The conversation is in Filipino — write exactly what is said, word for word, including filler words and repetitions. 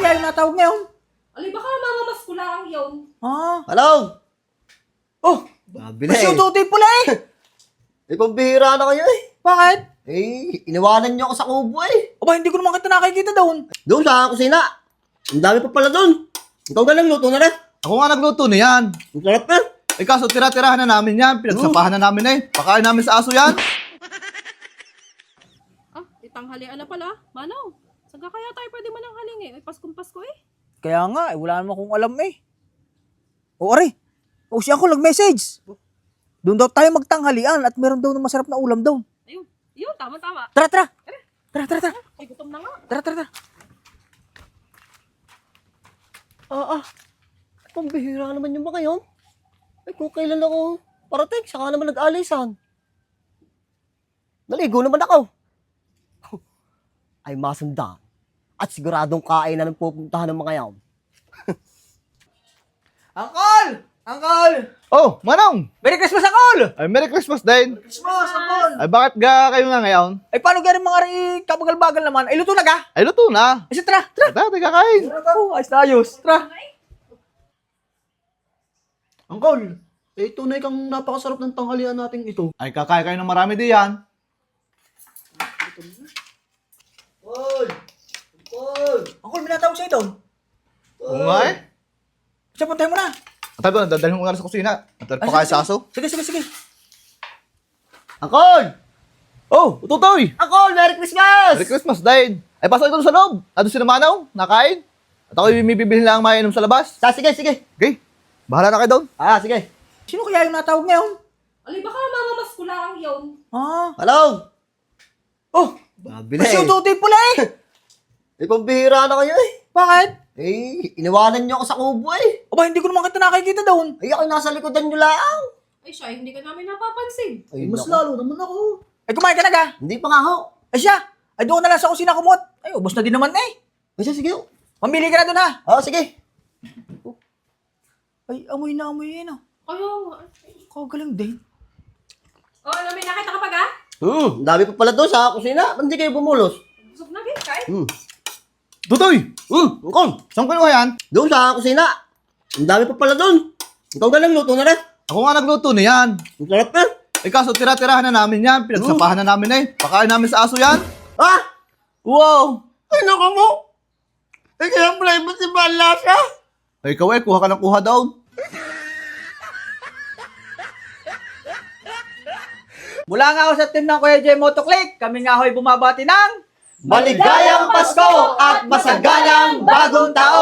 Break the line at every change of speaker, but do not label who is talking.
kaya yung natawag ngayon?
Alay, baka mamamas ko lang yun.
Ah.
Hello?
Oh,
Mabili
mas yung
eh.
tutoy pula eh.
Eh, pambihira na kayo eh.
Bakit?
Eh, iniwanan niyo ako sa kubo eh.
Aba, hindi ko naman kita nakikita doon.
Doon sa kusina. Ang dami pa pala doon. Ikaw na lang, luto na rin.
Ako nga nagluto na yan.
Ang sarap na.
Eh kaso tira-tirahan na namin yan. Pinagsapahan na namin eh. Pakain namin sa aso yan.
Ah, itanghalian na pala. Manaw, saan ka kaya tayo pwede mananghaling eh? Ay, Paskong Pasko eh.
Kaya nga, eh, wala naman akong alam eh. O, are. O, siya ako nag-message. Doon daw tayo magtanghalian at meron daw na masarap na ulam daw.
Ayun, yun, tama-tama.
Tara, tara. Tara, tara, tara.
Ay, gutom na nga.
Tara, tara, tara.
Ah, ah. Pambihira naman yung mga yun. Eh, kung kailan ako parating, saka naman nag-alisan. Naligo naman ako. Ay, masunda. At siguradong kain na ng pupuntahan ng mga yan.
Uncle! Uncle!
Oh, Manong!
Merry Christmas, Uncle!
Ay, Merry Christmas din.
Christmas, Uncle!
Ay, bakit ga kayo nga ngayon?
Ay, paano gano'n mga rin kabagal-bagal naman? Ay, luto na ka?
Ay, luto na.
Ay, siya, tara, tara.
Tara, tayo kakain.
Oh, ayos na ayos. Tara.
Uncle, eh tunay kang napakasarap ng tanghalian nating ito.
Ay, kakain kayo ng marami di yan.
Paul! Paul!
Uncle, may natawag sa'yo doon.
Oo nga eh.
Siya, puntahin mo na.
At doon, dadalhin mo nga sa kusina. At pakain sa aso.
Sige, sige, sige.
Uncle!
Oh, ututoy!
Uncle, Merry Christmas!
Merry Christmas din. Ay, pasok ito sa loob. Ado si Manaw, nakain. At ako yung may bibili lang mainom sa labas.
Ah, sige, sige.
Okay, bahala na kayo doon.
Ah, sige.
Sino kaya yung natawag ngayon?
Alay, baka mamamas ko lang yun.
Ah.
Hello?
Oh,
Mabili
mas
eh.
yung tutoy pula eh.
Eh, pambihira na kayo eh.
Bakit?
Eh, iniwanan niyo ako sa kubo eh.
Aba, hindi ko naman kita nakikita doon.
Ay, ako nasa likodan niyo lang.
Ay, siya, hindi ka namin napapansin.
Ay,
Mas
naku.
lalo naman ako.
Ay, kumain ka na ka?
Hindi pa nga ho.
Ay, siya. Ay, doon na lang sa kusina kumot. Ay, ubos na din naman eh.
Ay, sige, sige.
Mamili ka na doon ha.
Oh, sige.
Ay, amoy na amoy yun ah.
Kaya nga.
Kagaling din.
Oh, alam mo, nakita ka pa ga?
Hmm, ang dami pa pala doon sa kusina. Ba't hindi kayo bumulos?
Busog na, git, kahit.
Hmm.
Tutoy!
Hmm, Uncle.
Saan kayo yan?
Doon sa kusina. Ang dami pa pala doon. Ikaw na lang, luto na rin.
Ako nga nagluto na yan.
Ang sarap na.
Eh kaso tira-tirahan na namin yan. Pinagsapahan na namin eh. Pakain namin sa aso yan.
Ah!
Wow!
Ay, naku mo. Ay, kaya pala iba si Balasa.
Ay, ikaw eh, kuha ka ng kuha daw.
Mula nga ako sa team ng Kuya J Motoclick, kami nga ho'y bumabati ng
Maligayang Pasko at masagalang bagong taon!